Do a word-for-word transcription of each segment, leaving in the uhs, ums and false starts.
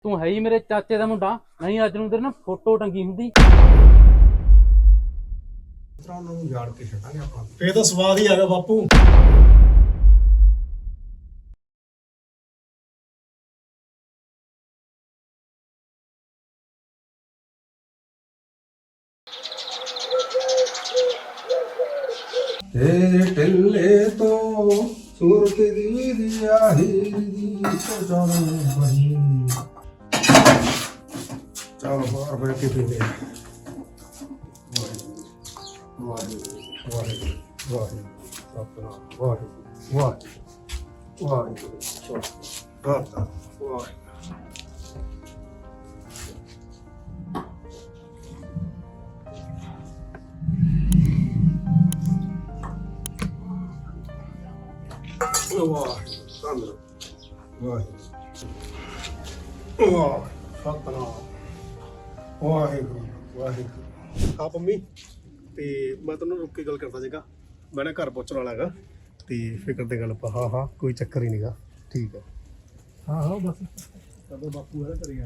ਤੂੰ ਹੈ ਹੀ ਮੇਰੇ ਚਾਚੇ ਦਾ ਮੁੰਡਾ, ਨਹੀਂ ਅੱਜ ਨੂੰ ਤੇਰੇ ਨਾ ਫੋਟੋ ਟੰਗੀ ਹੁੰਦੀ। ਉਹਨਾਂ ਨੂੰ ਯਾਰ ਕੇ ਛੱਡਾਂਗੇ ਆਪਾਂ। ਫੇਰ ਤਾਂ ਸਵਾਦ ਹੀ ਆ ਗਿਆ ਬਾਪੂ। ਤੇਰੇ ਢਿੱਲੇ ਤੋਂ ਸੂਰਤ ਦੀ ਦਿਆ ਹੀਰ ਦੀ ਸੋਚਾਂ ਬਣੀ। ਚਲੋ ਬਾਹਰ ਬੈਠ ਕੇ ਪੀਂਦੇ ਆ। ਵਾਹਿਗੁਰੂ ਵਾਹਿਗੁਰੂ ਵਾਹਿਗੁਰੂ ਸਤਿਨਾਮ ਵਾਹਿਗੁਰੂ ਵਾਹਿਗੁਰੂ ਵਾਹਿਗੁਰੂ ਸਤਿਨਾਮ ਵਾਹਿਗੁਰੂ। ਵਾਹ ਸੰਦਰ ਵਾਹ ਵਾਹ ਸਤਨਾਮ ਵਾਹਿਗੁਰੂ ਵਾਹਿਗੁਰੂ। ਹਾਂ ਪੰਮੀ, ਤੇ ਮੈਂ ਤੈਨੂੰ ਰੁੱਕ ਕੇ ਗੱਲ ਕਰਦਾ ਸੀਗਾ। ਮੈਂ ਨਾ ਘਰ ਪਹੁੰਚਣ ਵਾਲਾ ਹੈਗਾ ਤੇ ਫਿਕਰ ਤੇ ਗੱਲ ਪਾ। ਹਾਂ ਹਾਂ ਕੋਈ ਚੱਕਰ ਹੀ ਨਹੀਂਗਾ। ਠੀਕ ਹੈ। ਹਾਂ ਹਾਂ ਬਸ ਕਦੋਂ ਬਾਪੂ ਹੈ ਕਰੀ ਯਾਰ।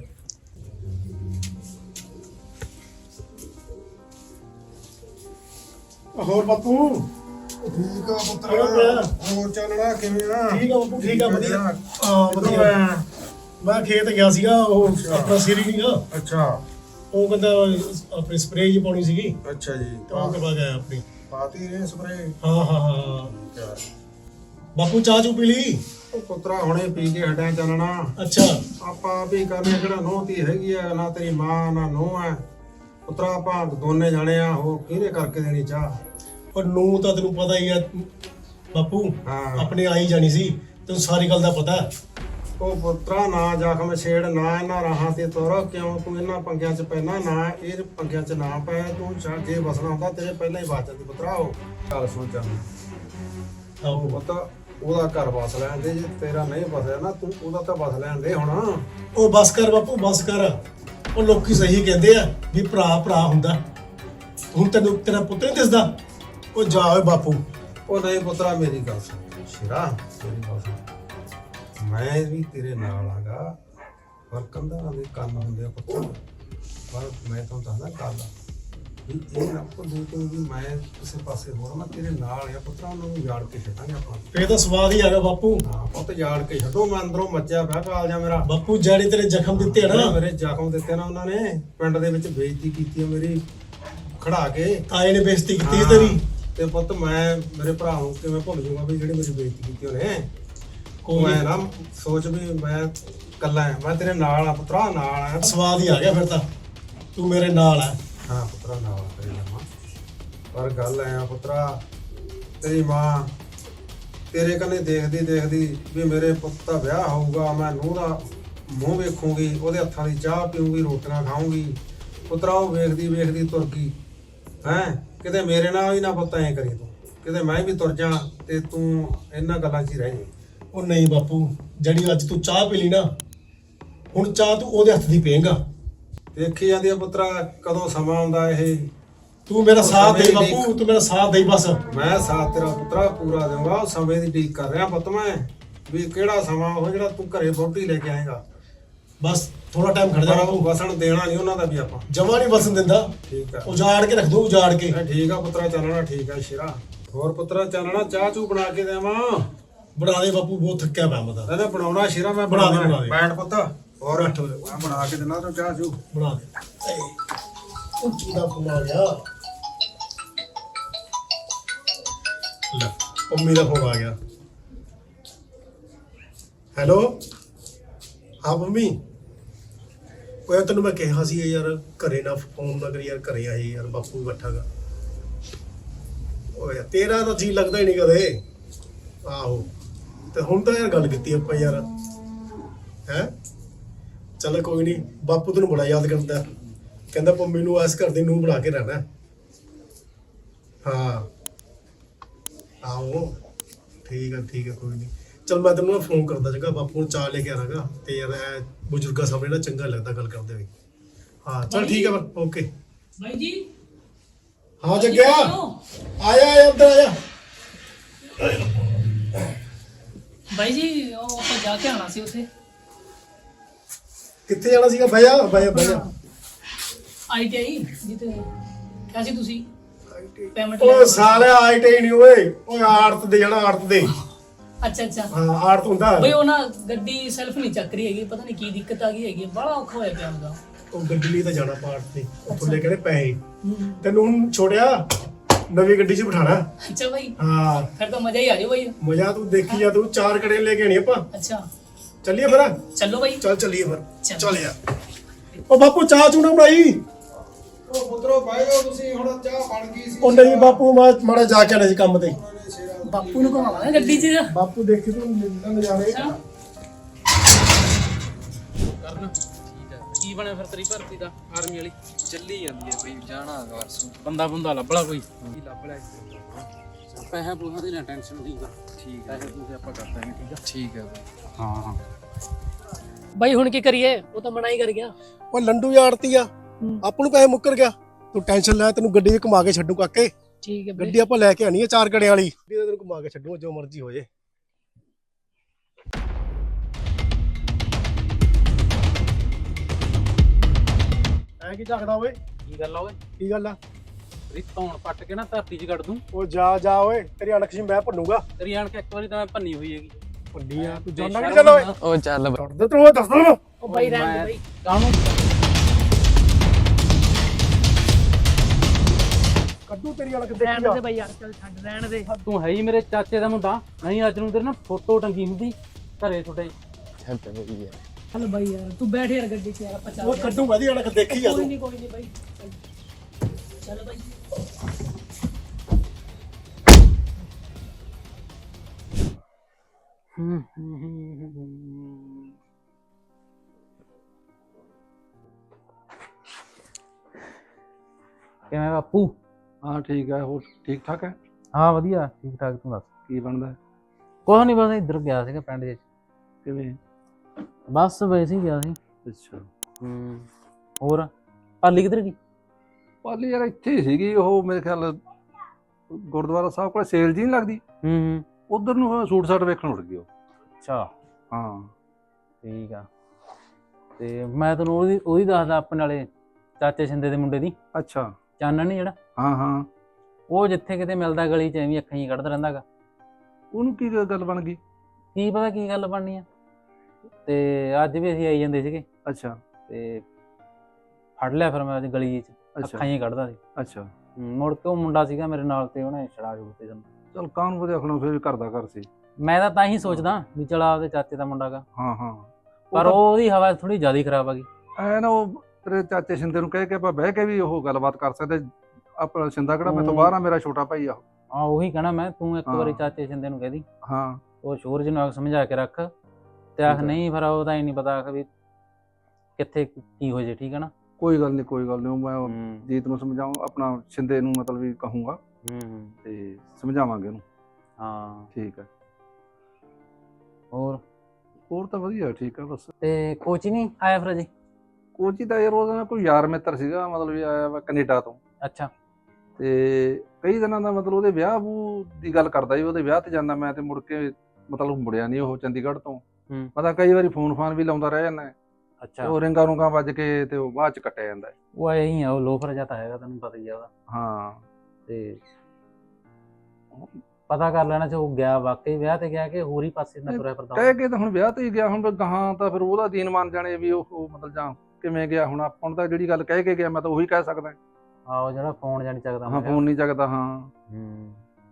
ਹੋਰ ਬਾਪੂ ਠੀਕ ਆ ਪੁੱਤਰ, ਹੋਰ ਚੱਲਣਾ ਕਿਵੇਂ ਆ? ਠੀਕ ਆ ਬਾਪੂ, ਠੀਕ ਆ ਵਧੀਆ। ਹਾਂ ਵਧੀਆ। ਮੈਂ ਖੇਤ ਗਿਆ ਸੀਗਾ, ਉਹ ਆਪਣਾ ਸਿਰ ਹੀ ਨਹੀਂਗਾ। ਅੱਛਾ ਉਹ ਕਹਿੰਦਾ ਆਪਣੀ ਸਪਰੇਅ ਜੀ ਪਾਉਣੀ ਸੀਗੀ, ਅੱਛਾ ਜੀ। ਤੇ ਉਹ ਕਰਵਾ ਗਿਆ ਆਪਣੀ। ਪਾਤੀ ਰੇ ਸਪਰੇ? ਹਾਂ ਹਾਂ ਹਾਂ ਬਾਪੂ ਚਾਹ ਚੂ ਪੀ ਲਈ? ਉਹ ਪੁੱਤਰਾ ਹੁਣੇ ਪੀ ਕੇ ਹਟਿਆ ਚੱਲਣਾ। ਅੱਛਾ ਆਪਾਂ ਆਪ ਹੀ ਕਰਨੇ, ਕਿਹੜਾ ਨੋਹ ਤੀ ਹੈਗੀ ਆ, ਨਾ ਤੇਰੀ ਮਾਂ ਨਾ ਨੋਹ ਹੈ ਪੁੱਤਰਾ। ਆਪਾਂ ਦੋਨੇ ਜਾਣੇ ਆ, ਉਹ ਕਿਹਨੇ ਕਰਕੇ ਦੇਣੀ ਚਾਹ? ਪਰ ਨੂੰ ਤਾਂ ਤੈਨੂੰ ਪਤਾ ਹੀ ਆ ਬਾਪੂ, ਹਾਂ ਆਪਣੇ ਆਈ ਜਾਣੀ ਸੀ, ਤੈਨੂੰ ਸਾਰੀ ਗੱਲ ਦਾ ਪਤਾ। ਉਹ ਪੁੱਤਰਾ ਨਾ ਜ਼ਖਮ ਛੇੜ, ਨਾ ਇਹਨਾਂ ਰਾਹਾਂ ਤੇ ਤੁਰ। ਕਿਉਂ ਤੂੰ ਇਹਨਾਂ ਪੰਗਿਆਂ 'ਚ ਪੈਣਾ? ਨਾ ਇਹ ਪੰਗਿਆਂ 'ਚ ਨਾ ਪੈ ਤੂੰ। ਛੱਡ, ਜੇ ਵਸਣਾ ਹੁੰਦਾ ਤੇਰੇ ਪਹਿਲਾਂ ਹੀ ਬਚ ਜਾਂਦੀ ਪੁੱਤਰਾ। ਉਹ ਗੱਲ ਸੁਣ ਚੱਲ, ਆਹੋ ਪੁੱਤ ਉਹਦਾ ਘਰ ਵਸ ਲੈਣ ਦੇ। ਜੇ ਤੇਰਾ ਨਹੀਂ ਵਸਿਆ ਨਾ, ਤੂੰ ਉਹਦਾ ਤਾਂ ਵਸ ਲੈਣ ਦੇ ਹੁਣ। ਉਹ ਬਸ ਕਰ ਬਾਪੂ ਬਸ ਕਰ। ਉਹ ਲੋਕੀ ਸਹੀ ਕਹਿੰਦੇ ਆ ਵੀ ਭਰਾ ਭਰਾ ਹੁੰਦਾ। ਹੁਣ ਤੈਨੂੰ ਤੇਰਾ ਪੁੱਤ ਨਹੀਂ ਦਿਸਦਾ? ਉਹ ਜਾ ਓਏ ਬਾਪੂ। ਉਹ ਨਹੀਂ ਪੁੱਤਰਾ, ਮੇਰੀ ਗੱਲ ਸੁਣ ਸ਼ੇਰਾ, ਮੇਰੀ ਗੱਲ ਸੁਣ। ਮੈਂ ਵੀ ਤੇਰੇ ਨਾਲ ਆਗਾ, ਪਰ ਕੰਧਾਂ ਦੇ ਕੰਨ ਹੁੰਦੇ ਆ ਪੁੱਤਰ। ਪਰ ਮੈਂ ਤੁਹਾਨੂੰ ਦੱਸਦਾ ਗੱਲ ਵੀ ਇਹ ਨਾ ਭੁੱਲੀ ਤੂੰ ਵੀ ਮੈਂ ਕਿਸੇ ਪਾਸੇ ਹੋਰ, ਮੈਂ ਤੇਰੇ ਨਾਲ ਆ ਪੁੱਤਰਾ। ਉਹਨਾਂ ਨੂੰ ਯਾਰ ਕੇ ਛੱਡਾਂਗੇ ਆਪਾਂ। ਫੇਰ ਤਾਂ ਸਵਾਦ ਹੀ ਆ ਗਿਆ ਬਾਪੂ। ਹਾਂ ਪੁੱਤ ਯਾਰ ਕੇ ਛੱਡੋ। ਮੈਂ ਅੰਦਰੋਂ ਮੱਚਿਆ ਪਿਆ ਕਾਲਜਾ ਮੇਰਾ। ਬਾਪੂ ਜਿਹੜੇ ਤੇਰੇ ਜ਼ਖਮ ਦਿੱਤੇ ਆ ਨਾ, ਮੇਰੇ ਜ਼ਖਮ ਦਿੱਤੇ ਨਾ ਉਹਨਾਂ ਨੇ, ਪਿੰਡ ਦੇ ਵਿੱਚ ਬੇਇੱਜ਼ਤੀ ਕੀਤੀ ਆ ਮੇਰੀ ਖੜਾ ਕੇ। ਆਏ ਨੇ ਬੇਇੱਜ਼ਤੀ ਕੀਤੀ ਸੀ ਤੇਰੀ। ਤੇ ਪੁੱਤ ਮੈਂ ਮੇਰੇ ਭਰਾ ਨੂੰ ਕਿਵੇਂ ਭੁੱਲ ਜਾਊਗਾ ਵੀ ਜਿਹੜੀ ਮੇਰੀ ਬੇਇੱਜ਼ਤੀ ਕੀਤੀ ਉਹਨੇ। ਕੋਈ ਮੈਂ ਨਾ ਸੋਚ ਵੀ ਮੈਂ ਕੱਲਾ ਆ, ਮੈਂ ਤੇਰੇ ਨਾਲ ਆ ਪੁੱਤਰਾ, ਨਾਲ ਆ। ਸਵਾਦ ਹੀ ਆ ਗਿਆ ਫਿਰ ਤਾਂ, ਤੂੰ ਮੇਰੇ ਨਾਲ ਆ। ਹਾਂ ਪੁੱਤਰਾ ਨਾਲ ਆ ਤੇਰੇ ਨਾਲ। ਪਰ ਗੱਲ ਐ ਆ ਪੁੱਤਰਾ, ਤੇਰੀ ਮਾਂ ਤੇਰੇ ਕੰਨੇ ਦੇਖਦੀ ਦੇਖਦੀ ਵੀ ਮੇਰੇ ਪੁੱਤ ਦਾ ਵਿਆਹ ਹੋਊਗਾ, ਮੈਂ ਨੂੰਹ ਦਾ ਮੂੰਹ ਵੇਖੂੰਗੀ, ਉਹਦੇ ਹੱਥਾਂ ਦੀ ਚਾਹ ਪੀਊਂਗੀ, ਰੋਟੀਆਂ ਖਾਊਂਗੀ ਪੁੱਤਰਾ। ਉਹ ਵੇਖਦੀ ਵੇਖਦੀ ਤੁਰ ਗਈ। ਹੈਂ ਕਿਤੇ ਮੇਰੇ ਨਾਲ ਹੀ ਨਾ ਪੁੱਤ ਐਂ ਕਰੀ ਤੂੰ, ਕਿਤੇ ਮੈਂ ਵੀ ਤੁਰ ਜਾ ਤੇ ਤੂੰ ਇਹਨਾਂ ਗੱਲਾਂ 'ਚ ਹੀ ਰਹਿ ਜਾਈਂ। ਉਹ ਨਹੀਂ ਬਾਪੂ, ਜਿਹੜੀ ਅੱਜ ਤੂੰ ਚਾਹ ਪੀ ਲਈ ਨਾ, ਹੁਣ ਚਾਹ ਤੂੰ ਉਹਦੇ ਹੱਥ ਦੀ ਪੀਏਂਗਾ। ਦੇਖੀ ਜਾਂਦੀ ਆ ਪੁੱਤਰਾ ਕਦੋਂ ਸਮਾਂ ਆਉਂਦਾ। ਇਹ ਤੂੰ ਮੇਰਾ ਸਾਥ ਦੇ ਬਾਪੂ, ਤੂੰ ਮੇਰਾ ਸਾਥ ਦੇ ਬਸ। ਮੈਂ ਸਾਥ ਤੇਰਾ ਪੁੱਤਰਾ ਪੂਰਾ ਦੇਵਾਂਗਾ। ਉਹ ਸਮੇਂ ਦੀ ਉਡੀਕ ਕਰ ਰਿਹਾ ਪੁੱਤ ਮੈਂ, ਵੀ ਕਿਹੜਾ ਸਮਾਂ ਉਹ ਜਿਹੜਾ ਤੂੰ ਘਰੇ ਵਹੁਟੀ ਲੈ ਕੇ ਆਏਗਾ। ਬਸ ਥੋੜਾ ਟਾਈਮ ਖੜ ਜਾ ਬਾਪੂ। ਵਸਣ ਦੇਣਾ ਨਹੀਂ ਉਹਨਾਂ ਦਾ ਵੀ ਆਪਾਂ। ਜਮਾ ਨਹੀਂ ਵਸਣ ਦਿੰਦਾ। ਠੀਕ ਆ, ਉਜਾੜ ਕੇ ਰੱਖ ਦੋ, ਉਜਾੜ ਕੇ। ਠੀਕ ਆ ਪੁੱਤਰਾ, ਚੱਲਣਾ ਠੀਕ ਆ ਸ਼ੇਰਾ। ਹੋਰ ਪੁੱਤਰਾ ਚੱਲਣਾ, ਚਾਹ ਚੂ ਬਣਾ ਕੇ ਦੇਵਾਂ? ਬਣਾ ਦੇ ਬਾਪੂ, ਬਹੁਤ ਥੱਕਿਆ ਪਿਆ ਮੈਂ ਤਾਂ। ਇਹਨੇ ਬਣਾਉਣਾ ਸ਼ੇਰਾ, ਮੈਂ ਬਣਾ ਦੇ, ਬਣਾ ਦੇ। ਬੈਠ ਪੁੱਤ। ਹੋਰ ਮੈਂ ਬਣਾ ਕੇ ਦੇਣਾ ਤੂੰ ਚਾਹ ਚੂ। ਬਣਾ ਦੇ। ਉੱਚੀ ਦਾ ਫੋਨ ਆ ਗਿਆ। ਲੈ ਪੰਮੀ ਦਾ ਫੋਨ ਆ ਗਿਆ। ਹੈਲੋ, ਹਾਂ ਪੰਮੀ। ਉਹ ਤੈਨੂੰ ਮੈਂ ਕਿਹਾ ਸੀ ਯਾਰ ਘਰੇ ਨਾ ਫੋਨ ਨਾ ਕਰੀ ਯਾਰ, ਘਰੇ ਆਈ ਯਾਰ, ਬਾਪੂ ਬੈਠਾ ਗਾ। ਓਏ ਤੇਰਾ ਤਾਂ ਜੀ ਲੱਗਦਾ ਹੀ ਨਹੀਂ ਕਦੇ। ਆਹੋ ਤੇ ਹੁਣ ਤਾਂ ਯਾਰ ਗੱਲ ਕੀਤੀ ਆਪਾਂ ਯਾਰ। ਹੈਂ ਚੱਲ ਕੋਈ ਨਹੀਂ, ਬਾਪੂ ਤੈਨੂੰ ਬੜਾ ਯਾਦ ਕਰਦਾ। ਕਹਿੰਦਾ ਪੰਮੀ ਨੂੰ ਇਸ ਘਰ ਦੀ ਨੂੰਹ ਬਣਾ ਕੇ ਰਹਿਣਾ। ਹਾਂ ਆਹੋ ਠੀਕ ਆ ਠੀਕ ਆ, ਕੋਈ ਨਹੀਂ। ਚਲ ਮੈਂ ਤੈਨੂੰ ਫੋਨ ਕਰਦਾ ਜਗਾ, ਬਾਪੂ ਨੂੰ ਚਾਹ ਲੈ ਕੇ ਆਣਾਗਾ। ਤੇ ਯਾਰ ਇਹ ਬਜ਼ੁਰਗਾਂ ਸਾਹਮਣੇ ਨਾ ਚੰਗਾ ਲੱਗਦਾ ਗੱਲ ਕਰਦੇ ਹੋਏ। ਹਾਂ ਚਲ ਠੀਕ ਆ, ਓਕੇ ਬਾਈ ਜੀ। ਹਾਂ ਜੱਗਿਆ, ਆਇਆ ਆਇਆ ਅੰਦਰ ਆਇਆ। ਬਾਈ ਜੀ ਉਹ ਆਪਾਂ ਜਾ ਕੇ ਆਣਾ ਸੀ ਉੱਥੇ। ਕਿੱਥੇ ਜਾਣਾ ਸੀਗਾ? ਭਈਆ ਭਈਆ ਭਈਆ ਆਈਟੀਆਈ ਜਿੱਤੇ ਕਿਹਾ ਸੀ ਤੁਸੀਂ ਪੇਮੈਂਟ ਉਹ ਸਾਲਿਆ ਆਈਟੀ ਨਹੀਂ ਓਏ, ਓਏ ਆੜਤ ਦੇ ਜਾਣਾ, ਆੜਤ ਦੇ। ਅੱਛਾ ਅੱਛਾ ਹਾਂ ਆੜਤ ਹੁੰਦਾ। ਬਈ ਉਹ ਨਾ ਗੱਡੀ ਸੈਲਫ ਨਹੀਂ ਚੱਕ ਰਹੀ ਹੈਗੀ, ਪਤਾ ਨਹੀਂ ਕੀ ਦਿੱਕਤ ਆ ਗਈ ਹੈਗੀ, ਬੜਾ ਔਖਾ ਹੋਇਆ ਪਿਆ ਉਹਦਾ। ਉਹ ਗੱਡੀ ਲਈ ਤਾਂ ਜਾਣਾ ਪਾਰਟ ਤੇ, ਉੱਥੋਂ ਲੈ ਕੇ ਪੈਸੇ ਤੈਨੂੰ ਹੁਣ ਛੋੜਿਆ, ਨਵੀਂ ਗੱਡੀ 'ਚ ਬਿਠਾਣਾ। ਅੱਛਾ ਭਾਈ, ਹਾਂ ਫਿਰ ਤਾਂ ਮਜ਼ਾ ਹੀ ਆ ਜਾਓ ਭਾਈ। ਮਜ਼ਾ ਤੂੰ ਦੇਖੀ ਜਾ, ਤੂੰ ਚਾਰ ਕੜੇ ਲੈ ਕੇ ਆਣੀ ਆਪਾਂ। ਅੱਛਾ ਚੱਲੀਏ ਫਿਰ, ਚਲੋ ਭਾਈ। ਚੱਲ ਚੱਲੀਏ ਫਿਰ, ਚੱਲ। ਚੱਲ ਯਾਰ। ਉਹ ਬਾਪੂ ਚਾਹ ਚੂਣਾ ਬਣਾਈ। ਉਹ ਪੁੱਤਰੋ ਬਾਈ ਜਾਓ ਤੁਸੀਂ, ਹੁਣ ਚਾਹ ਬਣ ਗਈ ਸੀ। ਉਹ ਨਹੀਂ ਬਾਪੂ, ਮੈਂ ਮਾੜਾ ਜਾ ਕੇ ਆਣਾ ਸੀ ਕੰਮ ਤੇ। ਬਾਪੂ ਨੂੰ ਘੁਮਾਵਾਂਗੇ ਗੱਡੀ 'ਚ। ਬਾਪੂ ਦੇਖੀ ਤੂੰ ਨਜ਼ਾਰੇ। ਕਰਨ ਕੀ ਬਣਿਆ ਫਿਰ ਤੇਰੀ ਭਰਤੀ ਦਾ ਆਰਮੀ ਵਾਲੀ? ਚੱਲੀ ਜਾਂਦੀ ਹੈ ਬਈ, ਜਾਣਾ ਹੈਗਾ ਪਰਸੋਂ। ਬੰਦਾ ਬੰਦਾ ਲੱਭ ਲਾ ਕੋਈ, ਕੀ ਲੱਭ ਲਿਆ? ਪੈਸਾ ਪੂਸਾ ਦੀ ਨਾ ਟੈਨਸ਼ਨ ਨਹੀਂ ਕਰ। ਠੀਕ ਹੈ, ਪੈਸੇ ਪੂਸੇ ਆਪਾਂ ਕਰ ਦਾਂਗੇ, ਠੀਕ ਆ? ਠੀਕ ਹੈ ਬਈ। ਹਾਂ ਹਾਂ ਭਾਈ ਹੁਣ ਕੀ ਕਰੀਏ, ਉਹ ਤਾਂ ਮਨਾ ਹੀ ਕਰ ਗਿਆ। ਉਹ ਲੰਡੂ ਯਾਰਤੀ ਆ, ਆਪਾਂ ਨੂੰ ਪੈਸੇ ਮੁੱਕਰ ਗਿਆ। ਤੂੰ ਟੈਨਸ਼ਨ ਲੈ, ਤੈਨੂੰ ਗੱਡੀ 'ਚ ਘੁਮਾ ਕੇ ਛੱਡੂ ਕਾਕੇ। ਠੀਕ ਹੈ ਗੱਡੀ ਆਪਾਂ ਲੈ ਕੇ ਆਣੀ ਹੈ ਚਾਰ ਕੜਿਆਂ ਵਾਲੀ, ਗੱਡੀ ਤੈਨੂੰ ਘੁਮਾ ਕੇ ਛੱਡੂ ਜੋ ਮਰਜ਼ੀ ਹੋ ਜੇ। ਐ ਕੀ ਝਾਕਦਾ ਓਏ? ਕੀ ਗੱਲ ਆ ਓਏ? ਕੀ ਗੱਲ ਆ? ਤੇਰੀ ਧੌਣ ਪੱਟ ਕੇ ਨਾ ਧਰਤੀ 'ਚ ਕੱਢ ਦੂੰ। ਉਹ ਜਾ ਜਾ ਓਏ, ਤੇਰੀ ਅਣਖ ਸੀ ਮੈਂ ਭੰਨੂਗਾ। ਤੇਰੀ ਆਣ ਕੇ ਇੱਕ ਵਾਰੀ ਤਾਂ ਮੈਂ ਭੰਨੀ ਹੋਈ ਹੈਗੀ। ਭੰਡੀ ਆ ਤੂੰ, ਜਾਣਾ ਕਿ ਚੱਲ ਓਏ। ਉਹ ਚੱਲ ਬਈ। ਦੱਸ ਤੂੰ ਦੱਸ ਦੋ। ਉਹ ਭਾਈ ਰਹਿਣ ਦੇ ਭਾਈ। ਕਾਹਨੂੰ ਕੱਢੂ ਤੇਰੀ ਅਣਖ ਰਹਿਣ ਦੇਖੀ ਦੇ ਆ। ਭਾਈ ਯਾਰ, ਚੱਲ ਛੱਡ ਰਹਿਣ ਦੇ। ਤੂੰ ਹੈ ਹੀ ਮੇਰੇ ਚਾਚੇ ਦਾ ਮੁੰਡਾ, ਨਹੀਂ ਅੱਜ ਨੂੰ ਤੇਰੇ ਨਾ ਫੋਟੋ ਟੰਗੀ ਹੁੰਦੀ ਘਰੇ ਤੁਹਾਡੇ। ਛੱਡ ਬਈ ਯਾਰ। ਚੱਲ ਭਾਈ ਯਾਰ, ਤੂੰ ਬੈਠ ਯਾਰ ਗੱਡੀ 'ਚ ਯਾਰ, ਆਪਾਂ ਉਹ ਚੱਲ। ਕੱਢੂਗਾ ਦੀ ਅਣਖ ਦੇਖੀ ਆ ਕੋਈ ਤੂੰ। ਨਹੀਂ ਕੋਈ ਨਹੀਂ ਭਾਈ, ਚੱਲ ਭਾਈ। ਹੂੰ ਹੂੰ ਹੂੰ ਹੂੰ। ਕਿਵੇਂ ਬਾਪੂ? ਹਾਂ ਠੀਕ ਹੈ, ਹੋਰ ਠੀਕ ਠਾਕ ਹੈ? ਹਾਂ ਵਧੀਆ ਠੀਕ ਠਾਕ, ਤੂੰ ਦੱਸ ਕੀ ਬਣਦਾ? ਕੁਛ ਨਹੀਂ, ਬਸ ਇੱਧਰ ਗਿਆ ਸੀਗਾ ਪਿੰਡ ਵਿੱਚ। ਕਿਵੇਂ? ਬਸ ਵੈਸੇ ਹੀ ਗਿਆ ਸੀ। ਅੱਛਾ। ਹੂੰ ਹੋਰ ਪਾਲੀ ਕਿੱਧਰ ਗਈ? ਪਾਲੀ ਯਾਰ ਇੱਥੇ ਹੀ ਸੀਗੀ, ਉਹ ਮੇਰੇ ਖਿਆਲ ਗੁਰਦੁਆਰਾ ਸਾਹਿਬ ਕੋਲ ਸੇਲ ਜੀ ਨਹੀਂ ਲੱਗਦੀ, ਹੂੰ ਹੂੰ ਉਧਰ ਨੂੰ ਸੂਟ ਸਾਟ ਵੇਖਣ ਉੱਡ ਗਈ ਉਹ। ਅੱਛਾ ਹਾਂ ਠੀਕ ਆ। ਤੇ ਮੈਂ ਤੈਨੂੰ ਉਹਦੀ ਉਹਦੀ ਦੱਸਦਾ, ਆਪਣੇ ਵਾਲੇ ਚਾਚੇ ਸਿੰਦੇ ਦੇ ਮੁੰਡੇ ਦੀ, ਅੱਛਾ। ਚਾਨਣ ਨੀ ਜਿਹੜਾ, ਹਾਂ ਹਾਂ। ਉਹ ਜਿੱਥੇ ਕਿਤੇ ਮਿਲਦਾ ਗਲੀ 'ਚ ਐਵੇਂ ਅੱਖਾਂ ਹੀ ਕੱਢਦਾ ਰਹਿੰਦਾ ਗਾ। ਉਹਨੂੰ ਕੀ ਗੱਲ ਬਣ ਗਈ? ਕੀ ਪਤਾ ਕੀ ਗੱਲ ਬਣਨੀ ਆ। ਤੇ ਅੱਜ ਵੀ ਅਸੀਂ ਆਈ ਜਾਂਦੇ ਸੀਗੇ, ਅੱਛਾ ਤੇ ਫੜ ਲਿਆ ਫਿਰ ਮੈਂ ਅੱਜ ਗਲੀ 'ਚ, ਅੱਛਾ ਅੱਖਾਂ ਹੀ ਕੱਢਦਾ ਸੀ। ਅੱਛਾ। ਹੂੰ, ਮੁੜ ਕੇ ਉਹ ਮੁੰਡਾ ਸੀਗਾ ਮੇਰੇ ਨਾਲ, ਤੇ ਉਹਨੇ ਛੜਾ ਛੁੜ ਤੇ ਸਾਨੂੰ। ਚਲ ਕਾਹਨੂੰ ਵਧੀਆ ਖਣੋ, ਫਿਰ ਵੀ ਘਰ ਦਾ ਘਰ ਸੀ। ਮੈਂ ਤਾਂ ਤਾਂ ਹੀ ਸੋਚਦਾ ਵੀ ਚਲ ਆਪਦੇ ਚਾਚੇ ਦਾ ਮੁੰਡਾ ਗਾ, ਹਾਂ ਹਾਂ। ਪਰ ਉਹਦੀ ਹਵਾ ਥੋੜੀ ਜ਼ਿਆਦਾ ਹੀ ਖਰਾਬ ਆ ਗਈ। ਐ ਨਾ ਉਹ ਤੇਰੇ ਚਾਚੇ ਸਿੰਦੇ ਨੂੰ ਕਹਿ ਕੇ ਆਪਾਂ ਬਹਿ ਕੇ ਵੀ ਉਹ ਗੱਲਬਾਤ ਕਰ ਸਕਦੇ। ਆਪਣਾ ਸਿੰਦਾ ਕਿਹੜਾ ਮੈਥੋਂ ਬਾਹਰ ਆ, ਮੇਰਾ ਛੋਟਾ ਭਾਈ ਆ। ਹਾਂ ਉਹੀ ਕਹਿਣਾ ਮੈਂ, ਤੂੰ ਇੱਕ ਹਾਂ। ਵਾਰੀ ਚਾਚੇ ਸਿੰਦੇ ਨੂੰ ਕਹਿ ਦੀ, ਹਾਂ ਉਹ ਸੂਰਜ ਨੂੰ ਆਖ ਸਮਝਾ ਕੇ ਰੱਖ, ਤੇ ਆਖ ਠੀਕ ਹੈ। ਨਹੀਂ ਫਿਰ ਉਹਦਾ ਹੀ ਨਹੀਂ ਪਤਾ ਆਖ ਵੀ ਕਿੱਥੇ ਕੀ ਹੋ ਜੇ, ਠੀਕ ਹੈ ਨਾ। ਕੋਈ ਗੱਲ ਨਹੀਂ ਕੋਈ ਗੱਲ ਨਹੀਂ, ਮੈਂ ਉਹ ਹੂੰ ਜੀਤ ਨੂੰ ਸਮਝਾਉਂ, ਆਪਣਾ ਸਿੰਦੇ ਨੂੰ ਮਤਲਬ ਵੀ ਕਹੂੰਗਾ ਹੂੰ ਹੂੰ, ਤੇ ਸਮਝਾਵਾਂਗੇ ਉਹਨੂੰ। ਹਾਂ ਠੀਕ ਹੈ। ਹੋਰ ਹੋਰ ਤਾਂ ਵਧੀਆ ਠੀਕ ਹੈ ਬਸ। ਤੇ ਕੋਚ ਨਹੀਂ ਆਇਆ ਫਿਰ ਅਜੇ? ਕੋਚੀ ਤਾਂ ਯਾਰ ਉਹਦਾ ਨਾ ਕੋਈ ਯਾਰ ਮਿੱਤਰ ਸੀਗਾ, ਮਤਲਬ ਵੀ ਆਇਆ ਵਾ ਕੈਨੇਡਾ ਤੋਂ, ਅੱਛਾ ਤੇ ਕਈ ਦਿਨਾਂ ਦਾ ਮਤਲਬ ਉਹਦੇ ਵਿਆਹ ਵੂ ਦੀ ਗੱਲ ਕਰਦਾ ਸੀ। ਉਹਦੇ ਵਿਆਹ ਤੇ ਜਾਂਦਾ ਮੈਂ, ਤੇ ਮੁੜ ਕੇ ਮਤਲਬ ਮੁੜਿਆ ਨਹੀਂ ਉਹ ਚੰਡੀਗੜ੍ਹ ਤੋਂ। ਹੂੰ। ਪਤਾ ਕਈ ਵਾਰੀ ਫੋਨ ਫਾਨ ਵੀ ਲਾਉਂਦਾ ਰਹਿ ਜਾਂਦਾ, ਅੱਛਾ ਉਹ ਰਿੰਗਾਂ ਰੁੰਗਾਂ ਵੱਜ ਕੇ ਤੇ ਉਹ ਬਾਅਦ ਚ ਕੱਟਿਆ ਜਾਂਦਾ। ਉਹ ਐ ਹੀ ਆ, ਉਹ ਲੋਫਰ ਜਿਹਾ ਤਾਂ ਹੈਗਾ, ਤੈਨੂੰ ਪਤਾ ਹੀ ਆ ਉਹਦਾ। ਹਾਂ ਤੇ ਪਤਾ ਕਰ ਲੈਣਾ ਸੀ ਉਹ ਗਿਆ ਵਾਕਈ ਵਿਆਹ ਤੇ ਗਿਆ ਕਿ ਹੋਰ ਹੀ ਪਾਸੇ ਨਾ ਤੁਰਿਆ ਫਿਰਦਾ। ਕਹਿ ਕੇ ਤਾਂ ਹੁਣ ਵਿਆਹ ਤੇ ਹੀ ਗਿਆ, ਹੁਣ ਗਾਹਾਂ ਤਾਂ ਫਿਰ ਉਹਦਾ ਦੀਨ ਮੰਨ ਜਾਣੇ ਵੀ ਉਹ ਉਹ ਮਤਲਬ ਜਾਂ ਕਿਵੇਂ ਗਿਆ। ਹੁਣ ਆਪਾਂ ਨੂੰ ਤਾਂ ਜਿਹੜੀ ਗੱਲ ਕਹਿ ਕੇ ਗਿਆ ਮੈਂ ਤਾਂ ਉਹੀ ਕਹਿ ਸਕਦਾ। ਆਹੋ ਜਿਹੜਾ ਫੋਨ ਜਾਣੀ ਚੱਕਦਾ ਹਾਂ ਫੋਨ ਨਹੀਂ ਚੱਕਦਾ। ਹਾਂ ਹੂੰ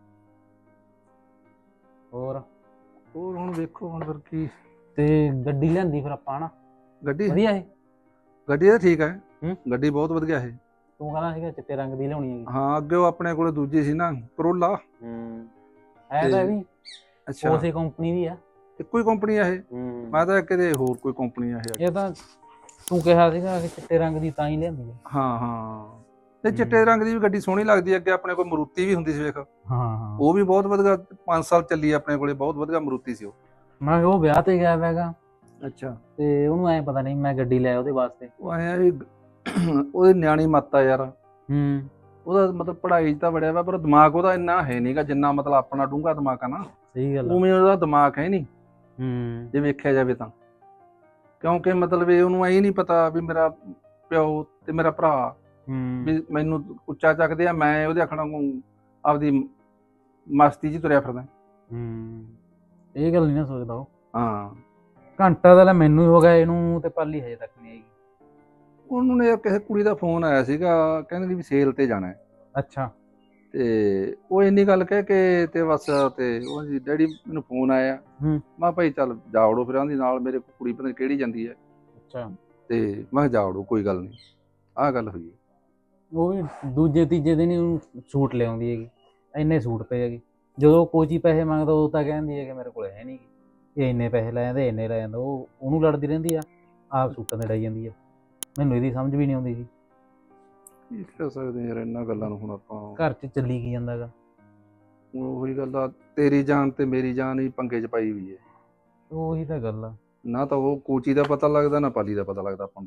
ਹੋਰ ਹੋਰ ਹੁਣ ਵੇਖੋ ਹੁਣ ਫਿਰ ਕੀ। ਤੇ ਗੱਡੀ ਲਿਆਂਦੀ ਫਿਰ ਆਪਾਂ ਹਨਾ, ਗੱਡੀ ਵਧੀਆ ਇਹ? ਗੱਡੀ ਤਾਂ ਠੀਕ ਹੈ। ਹੂੰ। ਗੱਡੀ ਬਹੁਤ ਵਧੀਆ ਇਹ। ਤੂੰ ਕਹਿੰਦਾ ਸੀਗਾ ਚਿੱਟੇ ਰੰਗ ਦੀ ਲਿਆਉਣੀ ਹੈਗੀ। ਹਾਂ ਅੱਗੇ ਉਹ ਆਪਣੇ ਕੋਲੇ ਦੂਜੀ ਸੀ ਨਾ ਕਰੋਲਾ। ਹੂੰ ਐ ਤਾਂ ਇਹ ਵੀ ਅੱਛਾ ਉਸੇ ਕੰਪਨੀ ਦੀ ਆ। ਇੱਕੋ ਹੀ ਕੰਪਨੀ ਆ ਇਹ? ਹੂੰ ਮੈਂ ਤਾਂ ਕਿਤੇ ਹੋਰ ਕੋਈ ਕੰਪਨੀ ਆ ਇਹ। ਇਹ ਤਾਂ ਤੂੰ ਕਿਹਾ ਸੀਗਾ ਕਿ ਚਿੱਟੇ ਰੰਗ ਦੀ ਤਾਂ ਹੀ ਲਿਆਂਦੀ ਹੈ। ਹਾਂ ਹਾਂ ਤੇ ਚਿੱਟੇ ਰੰਗ ਦੀ ਵੀ ਗੱਡੀ ਸੋਹਣੀ ਲੱਗਦੀ ਹੈ। ਅੱਗੇ ਆਪਣੇ ਕੋਲ ਮਰੂਤੀ ਵੀ ਹੁੰਦੀ ਸੀ ਵੇਖ, ਹਾਂ ਹਾਂ ਉਹ ਵੀ ਬਹੁਤ ਵਧੀਆ ਪੰਜ ਸਾਲ ਚੱਲੀ ਆਪਣੇ ਕੋਲੇ, ਬਹੁਤ ਵਧੀਆ ਮਰੂਤੀ ਸੀ ਉਹ। ਮੈਂ ਕਿਹਾ ਉਹ ਵਿਆਹ ਤੇ ਗਿਆ ਹੈਗਾ, ਅੱਛਾ। ਤੇ ਉਹਨੂੰ ਐ ਪਤਾ ਨਹੀਂ ਮੈਂ ਗੱਡੀ ਲੈ ਉਹਦੇ ਵਾਸਤੇ। ਉਹ ਆਇਆ ਵੀ ਉਹਦੀ ਨਿਆਣੀ ਮੱਤ ਆ ਯਾਰ। ਹੂੰ ਉਹਦਾ ਮਤਲਬ ਪੜ੍ਹਾਈ 'ਚ ਤਾਂ ਵੜਿਆ ਵਾ, ਪਰ ਦਿਮਾਗ ਉਹਦਾ ਇੰਨਾ ਹੈ ਨਹੀਂਗਾ ਜਿੰਨਾ ਮਤਲਬ ਆਪਣਾ ਡੂੰਘਾ ਦਿਮਾਗ ਆ ਨਾ, ਸਹੀ ਗੱਲ ਆ। ਉਵੇਂ ਉਹਦਾ ਦਿਮਾਗ ਹੈ ਨਹੀਂ ਹੂੰ ਜੇ ਵੇਖਿਆ ਜਾਵੇ ਤਾਂ। ਕਿਉਂਕਿ ਮਤਲਬ ਇਹ ਉਹਨੂੰ ਐ ਨਹੀਂ ਪਤਾ ਵੀ ਮੇਰਾ ਪਿਓ ਤੇ ਮੇਰਾ ਭਰਾ ਹੂੰ ਵੀ ਮੈਨੂੰ ਉੱਚਾ ਚੱਕਦੇ ਆ, ਮੈਂ ਉਹਦੇ ਆਖਣਾ ਨੂੰ ਆਪਦੀ ਮਸਤੀ 'ਚ ਤੁਰਿਆ ਫਿਰਦਾ। ਹੂੰ ਇਹ ਗੱਲ ਨਹੀਂ ਨਾ ਸੋਚਦਾ ਉਹ। ਹਾਂ ਘੰਟਾ ਤਾਂ ਲੈ ਮੈਨੂੰ ਹੀ ਹੋ ਗਿਆ ਇਹਨੂੰ, ਤੇ ਪਾਲੀ ਹਜੇ ਤੱਕ ਨਹੀਂ ਆਈ। ਉਹਨੂੰ ਨੇ ਕਿਸੇ ਕੁੜੀ ਦਾ ਫੋਨ ਆਇਆ ਸੀਗਾ, ਕਹਿੰਦੀ ਵੀ ਸੇਲ ਤੇ ਜਾਣਾ ਹੈ। ਅੱਛਾ ਤੇ ਉਹ ਇੰਨੀ ਗੱਲ ਕਹਿ ਕੇ ਤੇ ਬਸ ਤੇ ਉਹ ਜੀ ਡੈਡੀ ਮੈਨੂੰ ਫੋਨ ਆਇਆ। ਹੂੰ ਮੈਂ ਭਾਈ ਚੱਲ ਜਾ ਵੜੋ ਫਿਰ ਆਂਦੀ ਨਾਲ ਮੇਰੇ ਕੁੜੀ ਪਤਾ ਨੀ ਕਿਹੜੀ ਜਾਂਦੀ ਹੈ। ਅੱਛਾ ਤੇ ਮੈਂ ਕਿਹਾ ਜਾ ਵੜੋ ਕੋਈ ਗੱਲ ਨਹੀਂ, ਆਹ ਗੱਲ ਹੋਈ। ਉਹ ਵੀ ਦੂਜੇ ਤੀਜੇ ਦਿਨ ਹੀ ਉਹਨੂੰ ਸੂਟ ਲਿਆਉਂਦੀ ਹੈਗੀ, ਇੰਨੇ ਸੂਟ ਪਏ ਹੈਗੇ। ਜਦੋਂ ਕੋਚੀ ਪੈਸੇ ਮੰਗਦਾ ਉਹ ਤਾਂ ਕਹਿੰਦੀ ਹੈ ਕਿ ਮੇਰੇ ਕੋਲ ਹੈ ਨਹੀਂ, ਇਹ ਇੰਨੇ ਪੈਸੇ ਲੈ ਜਾਂਦੇ ਇੰਨੇ ਲੈ ਜਾਂਦਾ। ਉਹ ਉਹਨੂੰ ਲੜਦੀ ਰਹਿੰਦੀ ਆ, ਆਪ ਸੂਟਾਂ ਤੇ ਡਾਈ ਜਾਂਦੀ ਆ। ਮੈਨੂੰ ਇਹਦੀ ਸਮਝ ਵੀ ਨਹੀਂ ਆਉਂਦੀ ਸੀ। ਕੀ ਕਰ ਸਕਦੇ ਯਾਰ ਇਹਨਾਂ ਗੱਲਾਂ ਨੂੰ ਹੁਣ ਆਪਾਂ। ਘਰ 'ਚ ਚੱਲੀ ਕੀ ਜਾਂਦਾ ਗਾ। ਹੁਣ ਉਹੀ ਗੱਲ ਆ, ਤੇਰੀ ਜਾਨ ਤੇ ਮੇਰੀ ਜਾਨ ਹੀ ਪੰਗੇ 'ਚ ਪਾਈ ਹੋਈ ਹੈ। ਉਹੀ ਤਾਂ ਗੱਲ ਆ। ਨਾ ਤਾਂ ਉਹ ਕੋਚੀ ਦਾ ਪਤਾ ਲੱਗਦਾ, ਨਾ ਪਾਲੀ ਦਾ ਪਤਾ ਲੱਗਦਾ ਆਪਾਂ ਨੂੰ।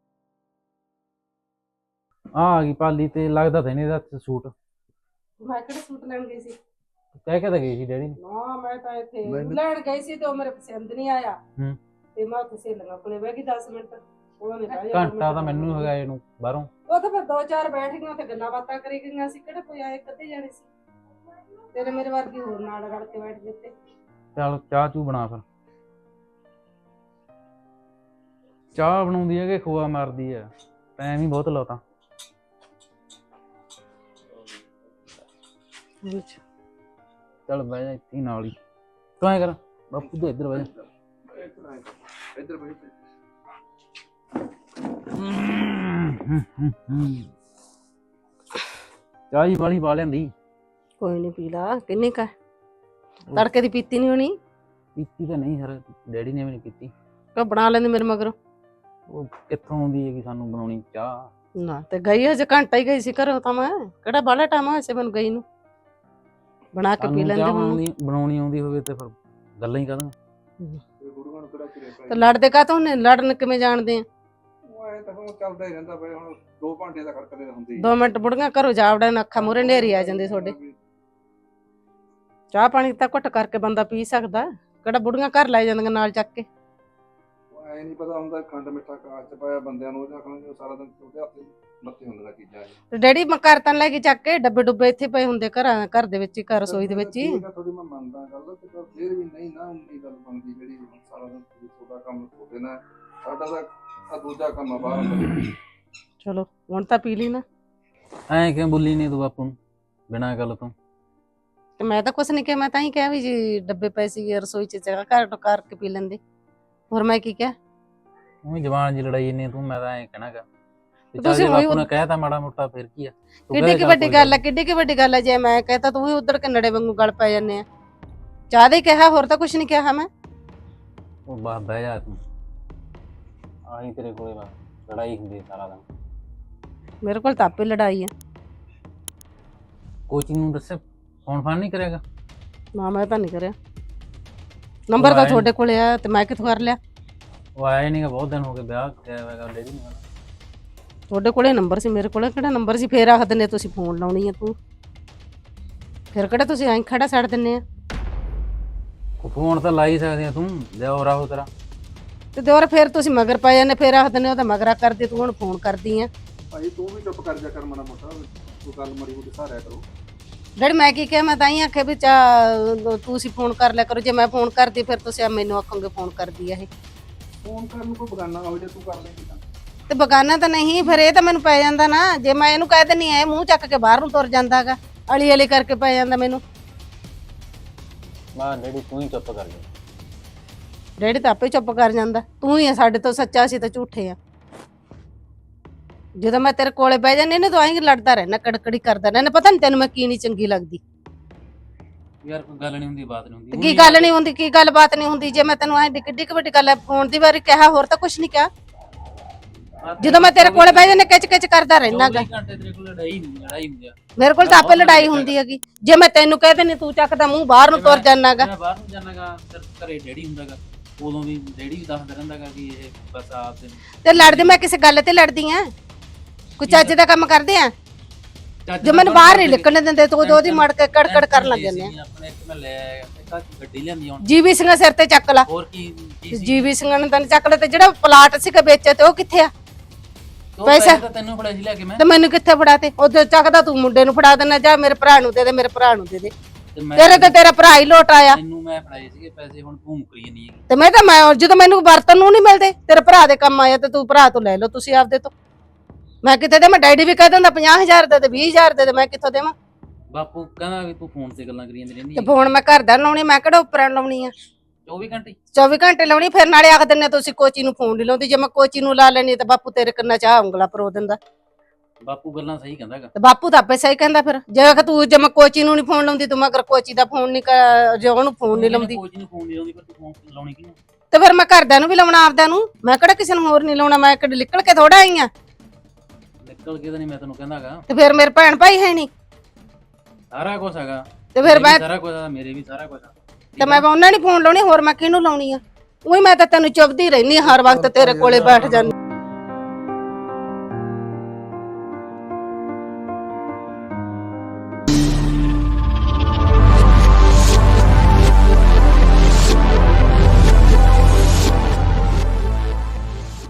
ਆ ਆ ਗਈ ਪਾਲੀ, ਤੇ ਲੱਗਦਾ ਤਾਂ ਨਹੀਂ ਇਹਦਾ ਹੱਥ 'ਚ ਸੂਟ। ਮੈਂ ਕਿਹੜੇ ਸੂਟ ਲੈਣ ਗਈ ਸੀ? ਕਹਿ ਕੇ ਤਾਂ ਗਈ ਸੀ ਡੈਡੀ ਨੂੰ। ਨਾ ਮੈਂ ਤਾਂ ਇੱਥੇ ਮੈਨੂੰ- ਲੈਣ ਗਈ ਸੀ ਤੇ ਉਹ ਮੇਰੇ ਪਸੰਦ ਨਹੀਂ ਆਇਆ। ਹੂੰ ਤੇ ਮੈਂ ਉੱਥੇ ਸਹੇਲੀਆਂ ਕੋਲੇ ਬਹਿ ਗਈ ਦਸ ਮਿੰਟ। ਉਹਨਾਂ ਨੇ ਬਹਿ ਘੰਟਾ ਤਾਂ ਮੈਨੂੰ ਹੀ ਹੋ ਗਿਆ ਇਹਨੂੰ ਬਾਹਰੋਂ। ਉਹ ਤਾਂ ਫਿਰ ਦੋ ਚਾਰ ਬੈਠ ਗਈਆਂ ਉੱਥੇ ਗੱਲਾਂ ਬਾਤਾਂ ਕਰੀ ਗਈਆਂ ਸੀ। ਕਿਹੜੇ ਕੋਈ ਆਏ ਕੱਦੇ ਜਾਣੇ ਸੀ? ਤੇਰੇ ਮੇਰੇ ਵਰਗੀ ਹੋਰ ਨਾਲ ਰਲ ਕੇ ਬੈਠ ਗਏ ਤੇ। ਚੱਲ ਚਾਹ ਚੂ ਬਣਾ ਫਿਰ। ਚਾਹ ਬਣਾਉਂਦੀ ਹੈ ਕਿ ਖੋਆ ਮਾਰਦੀ ਹੈ? ਟਾਈਮ ਹੀ ਬਹੁਤ ਲਾਤਾ। ਚੱਲ ਬਹਿ ਜਾ ਇੱਥੇ ਹੀ ਨਾਲ ਹੀ। ਤੂੰ ਐਂ ਕਰ ਬਾਪੂ ਦੇ ਇੱਧਰ ਬਹਿ ਜਾ। ਇੱਧਰ ਬੈਠ। ਚਾਹ ਹੀ ਵਾਲੀ ਪਾ ਲਿਆਂਦੀ। ਕੋਈ ਨਹੀਂ ਪੀ ਲਾ। ਕਿੰਨੀ ਕਾ ਤੜਕੇ ਦੀ ਪੀਤੀ ਨਹੀਂ ਹੋਣੀ? ਪੀਤੀ ਤਾਂ ਨਹੀਂ ਸਰ, ਡੈਡੀ ਨੇ ਵੀ ਨਹੀਂ ਪੀਤੀ। ਕਾ ਬਣਾ ਲੈਂਦੇ ਮੇਰੇ ਮਗਰੋਂ। ਉਹ ਕਿੱਥੋਂ ਆਉਂਦੀ ਹੈਗੀ ਸਾਨੂੰ ਬਣਾਉਣੀ ਚਾਹ। ਨਾ ਤੇ ਗਈ ਹਜੇ ਘੰਟਾ ਹੀ ਗਈ ਸੀ ਘਰੋਂ ਤਾਂ ਮੈਂ। ਕਿਹੜਾ ਬਾਹਲਾ ਟਾਈਮ ਹੋਇਆ ਸੀ ਮੈਨੂੰ ਗਈ ਨੂੰ। ਬਣਾ ਕੇ ਪੀ ਸਾਨੂੰ ਲੈਂਦੇ ਚਾਹ ਹੁਣ। ਬਣਾਉਣੀ ਬਣਾਉਣੀ ਆਉਂਦੀ ਹੋਵੇ ਤੇ ਫਿਰ ਗੱਲਾਂ ਹੀ ਕਰਾਂ। ਤੇ ਲੜਦੇ ਕਾ ਤੋਂ ਨੇ? ਲੜਨ ਕਿਵੇਂ ਜਾਣਦੇ ਆ? ਉਹ ਐ ਤਾਂ ਹੁਣ ਚੱਲਦਾ ਹੀ ਰਹਿੰਦਾ ਬਈ। ਹੁਣ ਦੋ ਘੰਟੇ ਦਾ ਖੜਕਦੇ ਹੁੰਦੀ। ਦੋ ਮਿੰਟ ਬੁੜੀਆਂ ਘਰੋਂ ਜਾ ਵੜਨ, ਅੱਖਾਂ ਮੂਹਰੇ ਨੇਰੀ ਆ ਜਾਂਦੀ ਤੁਹਾਡੇ। ਚਾਹ ਪਾਣੀ ਤਾਂ ਘੁੱਟ ਕਰਕੇ ਬੰਦਾ ਪੀ ਸਕਦਾ। ਕਿਹੜਾ ਬੁੜੀਆਂ ਘਰ ਲੈ ਜਾਂਦੀਆਂ ਨਾਲ ਚੱਕ ਕੇ। ਐ ਨਹੀਂ ਪਤਾ ਹੁੰਦਾ ਖੰਡ ਮਿੱਠਾ ਕਾਚ ਚ ਪਾਇਆ ਬੰਦਿਆਂ ਨੂੰ। ਉਹਦੇ ਆਖਣਾ ਸਾਰਾ ਦਿਨ ਉਹਦੇ ਹੱਥ ਲੱਤੇ ਹੁੰਦੀਆਂ ਚੀਜ਼ਾਂ। ਤੇ ਡੈਡੀ ਮੈਂ ਘਰ ਤਾਂ ਲੈ ਕੇ ਚੱਕ ਕੇ ਡੱਬੇ ਡੁੱਬੇ ਇੱਥੇ ਪਏ ਹੁੰਦੇ ਘਰਾਂ ਘਰ ਦੇ ਵਿੱਚ ਹੀ, ਘਰ ਰਸੋਈ ਦੇ ਵਿੱਚ ਹੀ। ਠੀਕ ਆ ਥੋੜੀ ਮੈਂ ਮੰਨਦਾ ਗੱਲ, ਤੇ ਪਰ ਫਿਰ ਵੀ ਨਹੀਂ ਨਾ ਉਨੀ ਗੱਲ ਬਣਦੀ ਜਿਹੜੀ ਸਾਰਾ ਦਿਨ ਤੁਹਾਡਾ ਕੰਮ ਤੁਹਾਡੇ ਨਾਲ। ਸਾਡਾ ਤਾਂ ਆ ਦੂਜਾ ਕੰਮ ਆ ਬਾਹਰ ਅੰਦਰ। ਚਲੋ ਹੁਣ ਤਾਂ ਪੀ ਲਈ ਨਾ। ਐਂ ਕਿਉਂ ਬੋਲੀ ਨਹੀਂ ਤੂੰ ਬਾਪੂ ਨੂੰ ਬਿਨਾਂ ਗੱਲ ਤੋਂ? ਤੇ ਮੈਂ ਤਾਂ ਕੁਛ ਨਹੀਂ ਕਿਹਾ। ਮੈਂ ਤਾਂ ਹੀ ਕਿਹਾ ਵੀ ਜੀ ਡੱਬੇ ਪਏ ਸੀਗੇ ਰਸੋਈ ਚ, ਜਗ੍ਹਾ ਘਰ ਤੋਂ ਕਰਕੇ ਪੀ ਲੈਂਦੇ। ਹੋਰ ਮੈਂ ਕੀ ਕਿਹਾ? ਉਹ ਜਵਾਨ ਜੀ ਲੜਾਈ ਨੇ ਤੂੰ, ਮੈਂ ਤਾਂ ਐਂ ਕਹਿਣਾਗਾ। ਤੁਸੀਂ ਤੁਸੀਂ ਉਹੀ- ਬਾਪੂ ਨੇ ਕਹਿਤਾ ਮਾੜਾ ਮੋਟਾ ਫਿਰ ਕੀ ਆ। ਤੂੰ ਕਿੱਡੀ ਕਹਿ ਕੀ ਚੱਲ ਵੱਡੀ ਕੋਈ ਗੱਲ ਆ, ਕਿੱਡੀ ਕੀ ਵੱਡੀ ਗੱਲ ਆ। ਜੇ ਮੈਂ ਕਹਤਾ ਤੂੰ ਵੀ ਉਧੜ ਕੇ ਨੜੇ ਵਾਂਗੂ ਗਲ ਪੈ ਜਾਂਦੇ ਆ। ਚਾਹ ਦੇ ਕਿਹਾ, ਹੋਰ ਤਾਂ ਕੁਛ ਨਹੀਂ ਕਿਹਾ ਮੈਂ। ਉਹ ਬਾਹ ਬਹਿ ਜਾ ਤੂੰ। ਆਹੀ ਤੇਰੇ ਕੋਲੇ ਬਸ ਲੜਾਈ ਹੁੰਦੀ ਹੈ ਸਾਰਾ ਦਿਨ। ਮੇਰੇ ਕੋਲ ਤਾਂ ਆਪੇ ਲੜਾਈ ਆ। ਕੋਚਿੰਗ ਨੂੰ ਦੱਸੇ ਫੋਨ ਫਾਨ ਨਹੀਂ ਕਰੇਗਾ? ਨਾ ਮੈਂ ਤਾਂ ਨਹੀਂ ਕਰਿਆ। ਨੰਬਰ ਤਾਂ ਤੁਹਾਡੇ ਕੋਲੇ ਆ ਤੇ ਮੈਂ ਕਿੱਥੋਂ ਕਰ ਲਿਆ? ਉਹ ਆਇਆ ਨਹੀਂਗਾ, ਬਹੁਤ ਦਿਨ ਹੋ ਗਏ ਵਿਆਹ ਕਿਹਾ ਹੋਇਆ ਡੈਡੀ ਨੇ। ਤੁਹਾਡੇ ਕੋਲੇ ਨੰਬਰ ਸੀ, ਮੇਰੇ ਕੋਲੇ ਕਿਹੜਾ ਨੰਬਰ ਸੀ? ਫੇਰ ਆਖ ਦਿੰਦੇ ਤੁਸੀਂ ਫੋਨ ਲਾਉਣੀ ਆ ਤੂੰ। ਫਿਰ ਕਿਹੜਾ ਤੁਸੀਂ ਐਂ ਖੜਾ ਛੱਡ ਦਿੰਦੇ ਆ? ਉਹ ਫੋਨ ਤਾਂ ਲਾ ਹੀ ਸਕਦੇ ਆ ਤੂੰ, ਦਿਓ ਰਾਹੋ ਤੇਰਾ। ਤੇ ਦਿਓਰ ਫਿਰ ਤੁਸੀਂ ਮਗਰ ਪੈ ਜਾਂਦੇ। ਫੇਰ ਆਖ ਦਿੰਦੇ ਉਹ ਤਾਂ ਮਗਰਾ ਕਰਦੀ, ਤੂੰ ਹੁਣ ਫੋਨ ਕਰਦੀ ਆ। ਭਾਈ ਤੂੰ ਵੀ ਚੁੱਪ ਕਰ ਜਾ ਕਰ ਮਾੜਾ ਮੋਟਾ। ਤੂੰ ਗੱਲ ਮੜੀ ਮੋਟੀ ਸਹਾਰਿਆ ਕਰੋ। ਡੈਡੀ ਮੈਂ ਕੀ ਕਿਹਾ? ਮੈਂ ਤਾਂ ਹੀ ਆਖਿਆ ਵੀ ਚਾ ਤੁਸੀਂ ਫੋਨ ਕਰ ਲਿਆ ਕਰੋ। ਜੇ ਮੈਂ ਫੋਨ ਕਰਦੀ ਫਿਰ ਤੁਸੀਂ ਮੈਨੂੰ ਆਖੋਗੇ ਫੋਨ ਕਰਦੀ ਆ ਇਹ। ਫੋਨ ਕਰਨ ਨੂੰ ਕੋਈ ਬਗਾਨਾ ਹੋ ਜੇ ਤੂੰ ਕਰ ਲੇਂਗੀ ਤਾਂ। ਤੇ ਬਗਾਨਾ ਤਾਂ ਨਹੀਂ, ਫਿਰ ਇਹ ਤਾਂ ਮੈਨੂੰ ਪੈ ਜਾਂਦਾ ਨਾ। ਜੇ ਮੈਂ ਇਹਨੂੰ ਕਹਿ ਦਿੰਨੀ ਐ ਮੂੰਹ ਚੱਕ ਕੇ ਬਾਹਰ ਨੂੰ ਤੁਰ ਜਾਂਦਾਗਾ, ਅਲੀ ਅਲੀ ਕਰਕੇ ਪੈ ਜਾਂਦਾ ਮੈਨੂੰ। ਮੈਂ ਡੈਡੀ ਤੂੰ ਹੀ ਚੁੱਪ ਕਰ ਜਾ। ਡੈਡੀ ਤਾਂ ਆਪੇ ਚੁੱਪ ਕਰ ਜਾਂਦਾ। ਤੂੰ ਹੀ ਆ ਸਾਡੇ ਤੋਂ ਸੱਚਾ, ਸੀ ਤਾਂ ਝੂਠੇ ਆ। ਜਦੋਂ ਮੈਂ ਤੇਰੇ ਕੋਲੇ ਬਹਿ ਜਾਂਦੀ ਨਾ ਤੂੰ ਆਏਂ ਲੜਦਾ ਰਹਿਣਾ, ਕੜਕੜੀ ਕਰਦਾ ਰਹਿਣਾ। ਪਤਾ ਨਹੀਂ ਤੈਨੂੰ ਮੈਂ ਕੀ ਨਹੀਂ ਚੰਗੀ ਲੱਗਦੀ। ਯਾਰ ਕੋਈ ਗੱਲ ਨਹੀਂ ਹੁੰਦੀ, ਬਾਤ ਨਹੀਂ ਤੇ ਹੁੰਦੀ। ਕੀ ਗੱਲ ਨਹੀਂ ਹੁੰਦੀ? ਕੀ ਗੱਲ ਬਾਤ ਨਹੀਂ ਹੁੰਦੀ? ਜੇ ਮੈਂ ਤੈਨੂੰ ਐ ਡਿੱਕ ਡਿੱਕ ਵੱਡੀ ਗੱਲ ਫੋਨ ਦੀ ਵਾਰੀ ਕਿਹਾ, ਹੋਰ ਤਾਂ ਕੁਛ ਨਹੀਂ ਕਿਹਾ। ਜਦੋਂ ਮੈਂ ਤੇਰੇ ਕੋਲੇ ਬਹਿ ਜਾਂਦੀ ਕਿਚ ਕਿਚ ਕਰਦਾ ਰਹਿਣਾਗਾ। ਘੰਟੇ ਤੇਰੇ ਕੋਲ ਲੜਾਈ ਹੁੰਦੀ ਲੜਾਈ ਹੁੰਦੀ ਆ। ਮੇਰੇ ਕੋਲ ਤਾਂ ਆਪੇ ਲੜਾਈ ਹੁੰਦੀ ਹੈਗੀ। ਜੇ ਮੈਂ ਤੈਨੂੰ ਕਹਿ ਦਿੰਦੀ ਤੂੰ ਚੱਕਦਾ ਮੂੰਹ ਬਾਹਰ ਨੂੰ ਤੁਰ ਜਾਣਾਗਾ। ਮੈਂ ਬਾਹਰ ਨੂੰ ਜਾਣਾਗਾ, ਫਿਰ ਘਰੇ ਡੈਡੀ ਹੁੰਦਾਗਾ। ਉਦੋਂ ਵੀ ਡੈਡੀ ਵੀ ਦੱਸਦਾ ਰਹਿੰਦਾਗਾ ਕਿ ਇਹ ਬਸ ਆਪ ਦੇ। ਤੇ ਲੜਦੀ ਮੈਂ ਕਿਸੇ ਗੱਲ ਤੇ ਲੜਦੀ ਆ? ਕੋਈ ਚੱਜ ਦਾ ਕੰਮ ਕਰਦੇ ਆ? ਜੇ ਮੈਨੂੰ ਬਾਹਰ ਨਹੀਂ ਨਿਕਲਣ ਦਿੰਦੇ ਤੂੰ ਉਹਦੀ ਮੜ ਕੇ ਕੜਕੜ ਕਰਨ ਲੱਗ ਜਾਂਦੇ ਆ। ਆਪਣੇ ਇੱਕ ਮੈਂ ਲੈ ਆਇਆ, ਇੱਕ ਦਿੱਤਾ ਗੱਡੀ ਲਿਆਂਦੀ ਹੁਣ ਜੀਵੀ ਸਿੰਘਾਂ ਸਿਰ ਤੇ ਚੱਕ ਲਾ। ਹੋਰ ਕੀ ਕੀ ਸੀ? ਜੀਵੀ ਸਿੰਘਾਂ ਨੇ ਤੈਨੂੰ ਚੱਕ ਲਿਆ ਤੇ ਜਿਹੜਾ ਪਲਾਟ ਸੀਗਾ ਵੇਚਿਆ ਤੇ ਉਹ ਕਿੱਥੇ ਆ? ਉਹ ਪੈਸਾ- ਪੈਸੇ ਤਾਂ ਤੈਨੂੰ ਫੜਾ ਜੀ ਲੈ ਕੇ ਮੈਂ ਤੇ ਮੈਨੂੰ ਕਿੱਥੇ ਫੜਾ ਤੇ ਉਹਦੇ ਚੱਕਦਾ ਤੂੰ ਮੁੰਡੇ ਨੂੰ ਫੜਾ ਦੇਣਾ, ਜਾਂ ਮੇਰੇ ਭਰਾ ਨੂੰ ਦੇ ਦੇ, ਮੇਰੇ ਭਰਾ ਨੂੰ ਦੇ ਦੇ। ਤੇ ਮੈਂ ਤੇਰੇ ਤੇ ਤੇਰਾ ਭਰਾ ਹੀ ਲੋਟ ਆਇਆ ਤੈਨੂੰ ਮੈਂ ਫੜਾਏ ਸੀਗੇ ਪੈਸੇ, ਹੁਣ ਤੂੰ ਮੁਕਰੀ ਨਹੀਂ ਹੈਗੀ। ਤੇ ਮੈਂ ਤਾਂ ਮੈਂ ਜਦੋਂ ਮੈਨੂੰ ਵਰਤਨ ਨੂੰ ਨਹੀਂ ਮਿਲਦੇ, ਤੇਰੇ ਭਰਾ ਦੇ ਕੰਮ ਆਇਆ ਤੇ ਤੂੰ ਭਰਾ ਤੋਂ ਲੈ ਲਓ ਤੁਸੀਂ ਆਪਦੇ ਤੋਂ। ਮੈਂ ਕਿੱਥੇ ਦੇਵਾਂ? ਡੈਡੀ ਵੀ ਕਹਿ ਦਿੰਦਾ ਪੰਜਾਹ ਹਜ਼ਾਰ ਦੇ ਤੇ ਵੀਹ ਹਜ਼ਾਰ ਦੇ ਤੇ ਮੈਂ ਕਿੱਥੋਂ ਦੇਵਾਂ? ਬਾਪੂ ਕਹਿੰਦਾ ਵੀ ਤੂੰ ਫੋਨ ਤੇ ਗੱਲਾਂ ਕਰੀ ਜਾਂਦੀ ਰਹਿੰਦੀ ਤੇ ਹੈ ਫੋਨ ਮੈਂ ਘਰ ਦਾ ਲਾਉਣੀ, ਮੈਂ ਕਿਹੜਾ ਉੱਪਰਾਂ ਲਾਉਣੀ ਆ? ਚੌਵੀ ਘੰਟੇ। ਚੌਵੀ ਘੰਟੇ ਲਾਉਣੀ, ਫਿਰ ਨਾਲੇ ਆਖ ਦਿੰਦੇ ਤੁਸੀਂ ਕੋਚੀ ਨੂੰ ਫੋਨ ਨਹੀਂ ਲਾਉਂਦੀ। ਜੇ ਮੈਂ ਕੋਚੀ ਨੂੰ ਲਾ ਲੈਣੀ ਤੇ ਬਾਪੂ ਤੇਰੇ ਕੰਨਾਂ 'ਚ ਆ ਉਂਗਲਾ ਪਰੋ ਦਿੰਦਾ। ਬਾਪੂ ਗੱਲਾਂ ਸਹੀ ਕਹਿੰਦਾ ਹੈਗਾ। ਤੇ ਬਾਪੂ ਤਾਂ ਆਪੇ ਸਹੀ ਕਹਿੰਦਾ। ਫਿਰ ਜੇ ਆਖ ਤੂੰ ਜੇ ਮੈਂ ਕੋਚੀ ਨੂੰ ਨਹੀਂ ਫੋਨ ਲਾਉਂਦੀ, ਤੂੰ ਮਗਰ ਕੋਚੀ ਦਾ ਫੋਨ ਨਹੀਂ, ਜੇ ਉਹਨੂੰ ਫੋਨ ਨਹੀਂ ਲਾਉਂਦੀ, ਕੋਈ ਨੂੰ ਫੋਨ ਨਹੀਂ ਲਾਉਂਦੀ, ਪਰ ਤੂੰ ਫੋਨ ਲਾਉਣੀ ਕਿਹਨੂੰ? ਤੇ ਫਿਰ ਮੈਂ ਘਰਦਿਆਂ ਨੂੰ ਵੀ ਲਾਉਣਾ, ਆਪਦਿਆਂ ਨੂੰ। ਮੈਂ ਕਿਹੜਾ ਕਿਸੇ ਨੂੰ ਹੋਰ ਨਹੀਂ ਲਾਉਣਾ, ਮੈਂ ਕਿਹੜਾ ਨਿਕਲ ਕੇ ਥੋੜਾ ਆਈ ਆ। ਨਿਕਲ ਕੇ ਤਾਂ ਨਹੀਂ ਮੈਂ ਤੈਨੂੰ ਕਹਿੰਦਾ ਹੈਗਾ, ਤੇ ਫਿਰ ਮੇਰੇ ਭੈਣ ਭਾਈ ਹੈ ਨਹੀਂ ਸਾਰਾ ਕੁਝ ਹੈਗਾ। ਤੇ ਫਿਰ ਮੇਰੇ ਵੀ ਮੈਂ ਸਾਰਾ ਕੁਝ ਆ, ਮੇਰੇ ਵੀ ਸਾਰਾ ਕੁਝ ਆ। ਤੇ ਮੈਂ ਉਹਨਾਂ ਨਹੀਂ ਫੋਨ ਲਾਉਣੀ, ਹੋਰ ਮੈਂ ਕਿਹਨੂੰ ਲਾਉਣੀ ਆ? ਉਹੀ ਮੈਂ ਤਾਂ ਤੈਨੂੰ ਚੁੱਭਦੀ ਰਹਿਨੀ ਹਰ ਵਕਤ ਤੇਰੇ ਕੋਲੇ ਬੈਠ ਜਾਂਦੀ।